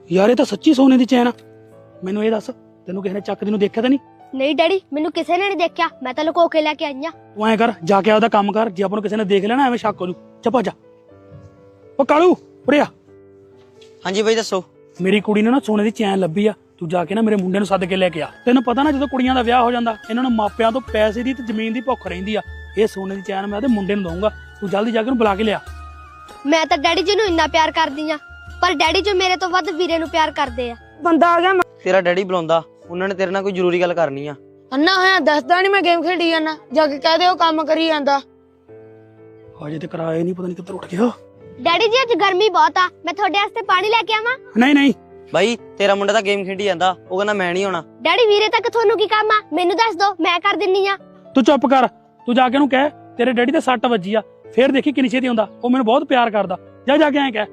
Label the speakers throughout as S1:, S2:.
S1: ਯਾਰ ਇਹ ਤਾਂ ਸੱਚੀ ਸੋਨੇ ਦੀ ਚੈਨ ਆ। ਮੈਨੂੰ ਇਹ ਦੱਸ, ਤੈਨੂੰ ਕਿਸੇ ਨੇ ਚੱਕਦੀ ਨੂੰ ਦੇਖਿਆ ਤਾਂ ਨਹੀਂ?
S2: ਨਹੀਂ ਡੈਡੀ, ਮੈਨੂੰ ਕਿਸੇ ਨੇ ਨਹੀਂ ਦੇਖਿਆ, ਮੈਂ ਤਾਂ ਲੁਕੋ ਕੇ ਲੈ ਕੇ ਆਈ ਆ।
S1: ਤੂੰ ਐਂ ਕਰ, ਜਾ ਕੇ ਆਪਦਾ ਕੰਮ ਕਰ। ਜੇ ਆਪਾਂ ਨੂੰ ਕਿਸੇ ਨੇ ਦੇਖ ਲਿਆ ਨਾ, ਐਵੇਂ ਸ਼ੱਕ ਹੋ ਜੂ। ਚੱਪਾ ਜਾ। ਉਹ ਕਾਲੂ ਉਰੇ ਆ।
S3: ਹਾਂਜੀ ਬਾਈ ਦੱਸੋ।
S1: ਮੇਰੀ ਕੁੜੀ ਨੇ ਨਾ ਸੋਨੇ ਦੀ ਚੈਨ ਲੱਭੀ ਆ। ਤੂੰ ਜਾ ਕੇ ਨਾ ਮੇਰੇ ਮੁੰਡੇ ਨੂੰ ਸੱਦ ਕੇ ਲੈ ਕੇ ਆ। ਤੈਨੂੰ ਪਤਾ ਨਾ, ਜਦੋਂ ਕੁੜੀਆਂ ਦਾ ਵਿਆਹ ਹੋ ਜਾਂਦਾ, ਇਹਨਾਂ ਨੂੰ ਮਾਪਿਆਂ ਤੋਂ ਪੈਸੇ ਦੀ ਤੇ ਜ਼ਮੀਨ ਦੀ ਭੁੱਖ ਰਹਿੰਦੀ ਆ। ਇਹ ਸੋਨੇ ਦੀ ਚੈਨ ਮੈਂ ਉਹਦੇ ਮੁੰਡੇ ਨੂੰ ਦਊਂਗਾ। ਤੂੰ ਜਲਦੀ ਜਾ ਕੇ ਉਹਨੂੰ ਬੁਲਾ ਕੇ ਲਿਆ।
S2: ਮੈਂ ਤਾਂ ਡੈਡੀ ਜੀ ਨੂੰ ਇੰਨਾ ਪਿਆਰ ਕਰਦੀ ਆ, ਪਰ ਡੈਡੀ ਜੀ ਮੇਰੇ ਤੋਂ ਵੱਧ ਵੀਰੇ ਨੂੰ ਪਿਆਰ ਕਰਦੇ ਆ।
S4: ਬੰਦਾ ਆ ਗਿਆ।
S3: ਤੇਰਾ ਡੈਡੀ ਬੁਲਾਉਂਦਾ, ਉਹਨਾਂ ਨੇ ਤੇਰੇ ਨਾਲ ਕੋਈ ਜ਼ਰੂਰੀ ਗੱਲ ਕਰਨੀ ਆ।
S4: ਅੰਨਾ ਹੋਇਆ ਦੱਸਦਾ ਨਹੀਂ, ਮੈਂ ਗੇਮ ਖੇਡੀ ਜਾਂਦਾ। ਜਾ ਕੇ ਕਹਿ ਦੇ ਉਹ ਕੰਮ ਕਰੀ ਜਾਂਦਾ।
S1: ਹਜੇ ਤੇ ਕਰਾਇਆ ਨਹੀਂ, ਪਤਾ ਨਹੀਂ ਕਿੱਧਰ ਉੱਠ ਗਿਆ।
S2: ਡੈਡੀ ਜੀ ਅੱਜ ਗਰਮੀ ਬਹੁਤ ਆ, ਮੈਂ ਤੁਹਾਡੇ ਵਾਸਤੇ ਪਾਣੀ ਲੈ ਕੇ ਆਵਾਂ?
S1: ਨਹੀਂ ਨਹੀਂ,
S3: ਬਾਈ ਤੇਰਾ ਮੁੰਡਾ ਤਾਂ ਗੇਮ ਖੇਡੀ ਜਾਂਦਾ, ਉਹ ਕਹਿੰਦਾ ਮੈਂ ਨਹੀਂ ਆਉਣਾ।
S2: ਡੈਡੀ ਵੀਰੇ ਤੱਕ ਤੁਹਾਨੂੰ ਕੀ ਕੰਮ ਆ? ਮੈਨੂੰ ਦੱਸ ਦੋ, ਮੈਂ ਕਰ ਦਿੰਨੀ ਆ।
S1: ਤੂੰ ਚੁੱਪ ਕਰ। ਤੂੰ ਜਾ ਕੇ ਉਹਨੂੰ ਕਹਿ ਤੇਰੇ ਡੈਡੀ ਤੇ ਸੱਟ ਵੱਜੀ ਆ। ਫੇਰ ਦੇਖੀ ਕਿੰਨੀ ਛੇਤੀ ਹੁੰਦਾ। ਉਹ ਮੈਨੂੰ ਬਹੁਤ ਪਿਆਰ ਕਰਦਾ। ਜਾ ਕੇ ਐਂ ਕਹਿ।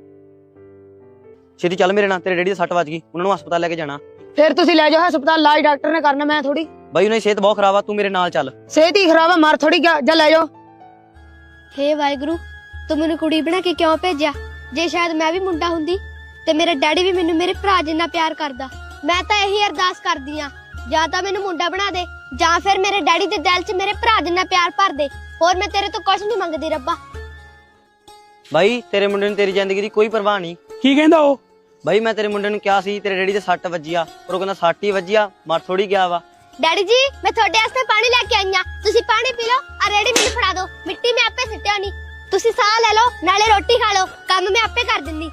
S3: ਛੇਤੀ ਚੱਲ ਮੇਰੇ ਨਾਲ, ਤੇਰੇ ਡੈਡੀ ਦੇ ਸੱਟ ਵੱਜ ਗਈ, ਉਹਨਾਂ ਨੂੰ ਹਸਪਤਾਲ ਲੈ ਕੇ ਜਾਣਾ।
S4: ਫਿਰ ਤੁਸੀਂ ਲੈ ਜਾਓ ਹਸਪਤਾਲ, ਇਲਾਜ ਡਾਕਟਰ ਨੇ ਕਰਨਾ, ਮੈਂ ਥੋੜੀ।
S3: ਬਾਈ ਉਹਨਾਂ ਦੀ ਸਿਹਤ ਬਹੁਤ ਖਰਾਬ ਆ, ਤੂੰ ਮੇਰੇ ਨਾਲ ਚੱਲ।
S4: ਸਿਹਤ ਹੀ ਖਰਾਬ ਆ, ਮਰ ਥੋੜੀ ਗਿਆ। ਜਾ ਲੈ ਜਾਓ।
S2: ਹੇ ਵਾਹਿਗੁਰੂ, ਤੂੰ ਮੈਨੂੰ ਕੁੜੀ ਬਣਾ ਕੇ ਕਿਉਂ ਭੇਜਿਆ? ਜੇ ਸ਼ਾਇਦ ਮੈਂ ਵੀ ਮੁੰਡਾ ਹੁੰਦੀ ਤੇ ਮੇਰਾ ਡੈਡੀ ਵੀ ਮੈਨੂੰ ਮੇਰੇ ਭਰਾ ਜਿੰਨਾ ਪਿਆਰ ਕਰਦਾ। ਮੈਂ ਤਾਂ ਇਹੀ ਅਰਦਾਸ ਕਰਦੀ ਆ, ਜਾਂ ਤਾਂ ਮੈਨੂੰ ਮੁੰਡਾ ਬਣਾ ਦੇ, ਜਾਂ ਫਿਰ ਮੇਰੇ ਡੈਡੀ ਦੇ ਦਿਲ 'ਚ ਮੇਰੇ ਭਰਾ ਜਿੰਨਾ ਪਿਆਰ ਭਰ ਦੇ। ਹੋਰ ਮੈਂ ਤੇਰੇ ਤੋਂ ਕੁਝ ਨਹੀਂ ਮੰਗਦੀ ਰੱਬਾ।
S3: ਬਾਈ ਤੇਰੇ ਮੁੰਡੇ ਨੂੰ ਤੇਰੀ ਜ਼ਿੰਦਗੀ ਦੀ ਕੋਈ ਪਰਵਾਹ ਨਹੀਂ।
S1: ਕੀ ਕਹਿੰਦਾ ਉਹ?
S3: ਬਾਈ ਮੈਂ ਤੇਰੇ ਮੁੰਡੇ ਨੂੰ ਕਿਹਾ ਸੀ ਤੇਰੇ ਡੈਡੀ ਦੇ ਸੱਟ ਵੱਜੀ ਆ, ਪਰ ਉਹ ਕਹਿੰਦਾ ਸੱਟ ਹੀ ਵੱਜੀ ਆ, ਮਰ ਥੋੜੀ ਗਿਆ ਵਾ।
S2: ਡੈਡੀ ਜੀ, ਮੈਂ ਤੁਹਾਡੇ ਵਾਸਤੇ ਪਾਣੀ ਲੈ ਕੇ ਆਈ ਆ, ਤੁਸੀਂ ਪਾਣੀ ਪੀ ਲਓ। ਆ ਰੇੜੀ ਮੈਨੂੰ ਫੜਾ ਦਿਓ, ਮਿੱਟੀ ਮੈਂ ਆਪੇ ਸਿੱਟਿਆ ਨਹੀਂ। ਤੁਸੀਂ ਸਾਹ ਲੈ ਲਓ, ਨਾਲੇ ਰੋਟੀ ਖਾ ਲਓ, ਕੰਮ ਮੈਂ ਆਪੇ ਕਰ ਦਿੰਦੀ।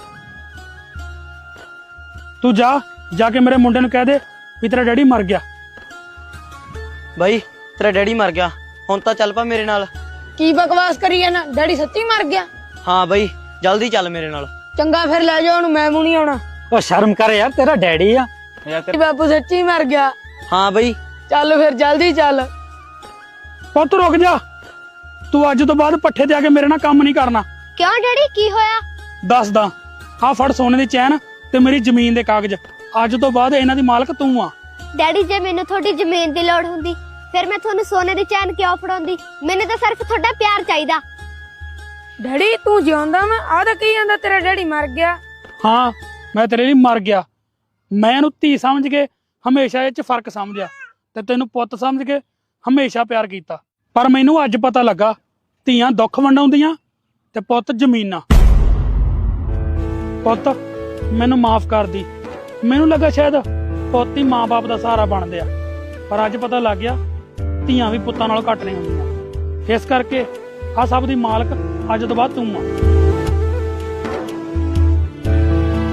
S1: ਤੂੰ ਜਾ ਕੇ ਮੇਰੇ ਮੁੰਡੇ ਨੂੰ ਕਹਿ ਦੇ ਵੀ ਤੇਰਾ ਡੈਡੀ ਮਰ ਗਿਆ।
S3: ਬਾਈ ਤੇਰਾ ਡੈਡੀ ਮਰ ਗਿਆ, ਹੁਣ ਤਾਂ ਚੱਲ ਪਾ ਮੇਰੇ ਨਾਲ।
S4: ਕੀ ਬਕਵਾਸ ਕਰੀ ਜਾਂਦਾ? ਡੈਡੀ ਸੱਚੀ ਮਰ ਗਿਆ?
S3: ਹਾਂ ਬਾਈ ਜਲਦੀ ਚੱਲ ਮੇਰੇ ਨਾਲ।
S4: ਚੰਗਾ ਫਿਰ ਲੈ ਜਾਓ ਉਹਨੂੰ, ਮੈਂ ਨਹੀਂ ਆਉਣਾ।
S1: ਉਹ ਸ਼ਰਮ ਕਰ ਯਾਰ, ਤੇਰਾ ਡੈਡੀ ਆ।
S4: ਬਾਪੂ ਸੱਚੀ ਮਰ ਗਿਆ।
S3: ਹਾਂ ਬਾਈ
S4: ਚੱਲ ਫਿਰ ਜਲਦੀ ਚੱਲ।
S1: ਪੁੱਤ ਰੁਕ ਜਾ। ਤੂੰ ਅੱਜ ਤੋਂ ਬਾਅਦ ਪੱਠੇ ਤੇ ਆ ਕੇ ਮੇਰੇ ਨਾਲ ਕੰਮ ਨਹੀਂ ਕਰਨਾ।
S2: ਕਿਉਂ ਡੈਡੀ, ਕੀ ਹੋਇਆ?
S1: ਦੱਸਦਾ। ਆ ਫੜ ਸੋਨੇ ਦੀ ਚੈਨ ਤੇ ਮੇਰੀ ਜ਼ਮੀਨ ਦੇ ਕਾਗਜ਼। ਅੱਜ ਤੋਂ ਬਾਅਦ ਇਹਨਾਂ ਦੀ ਮਾਲਕ ਤੂੰ ਆ।
S2: ਡੈਡੀ, ਜੇ ਮੈਨੂੰ ਤੁਹਾਡੀ ਜ਼ਮੀਨ ਦੀ ਲੋੜ ਹੁੰਦੀ ਫਿਰ ਮੈਂ ਤੁਹਾਨੂੰ ਸੋਨੇ ਦੀ ਚੈਨ ਕਿਉਂ ਫੜਾਉਂਦੀ? ਮੈਨੂੰ ਤਾਂ ਸਿਰਫ ਤੁਹਾਡਾ ਪਿਆਰ ਚਾਹੀਦਾ।
S4: ਡੈਡੀ ਤੂੰ ਜਿਉਂਦਾ ਵਾ? ਆ ਤਾਂ ਕੀ ਜਾਂਦਾ ਤੇਰਾ ਡੈਡੀ ਮਰ ਗਿਆ।
S1: ਹਾਂ, ਮੈਂ ਤੇਰੇ ਲਈ ਮਰ ਗਿਆ। ਮੈਂ ਇਹਨੂੰ ਧੀ ਸਮਝ ਕੇ ਹਮੇਸ਼ਾ ਇਹ 'ਚ ਫਰਕ ਸਮਝਿਆ ਤੇ ਤੈਨੂੰ ਪੁੱਤ ਸਮਝ ਕੇ ਹਮੇਸ਼ਾ ਪਿਆਰ ਕੀਤਾ। ਪਰ ਮੈਨੂੰ ਅੱਜ ਪਤਾ ਲੱਗਾ, ਧੀਆਂ ਦੁੱਖ ਵੰਡਾਉਂਦੀਆਂ ਤੇ ਪੁੱਤ ਜ਼ਮੀਨਾਂ। ਪੁੱਤ ਮੈਨੂੰ ਮਾਫ ਕਰ ਦੀ। ਮੈਨੂੰ ਲੱਗਾ ਸ਼ਾਇਦ ਪੁੱਤ ਹੀ ਮਾਂ-ਬਾਪ ਦਾ ਸਹਾਰਾ ਬਣਦੇ ਆ, ਪਰ ਅੱਜ ਪਤਾ ਲੱਗ ਗਿਆ ਧੀਆਂ ਵੀ ਪੁੱਤਾਂ ਨਾਲੋਂ ਘੱਟ ਨਹੀਂ ਹੁੰਦੀਆਂ। ਇਸ ਕਰਕੇ ਆ ਸਭ ਦੀ ਮਾਲਕ ਅੱਜ ਤੋਂ ਬਾਅਦ ਤੂੰ ਆ।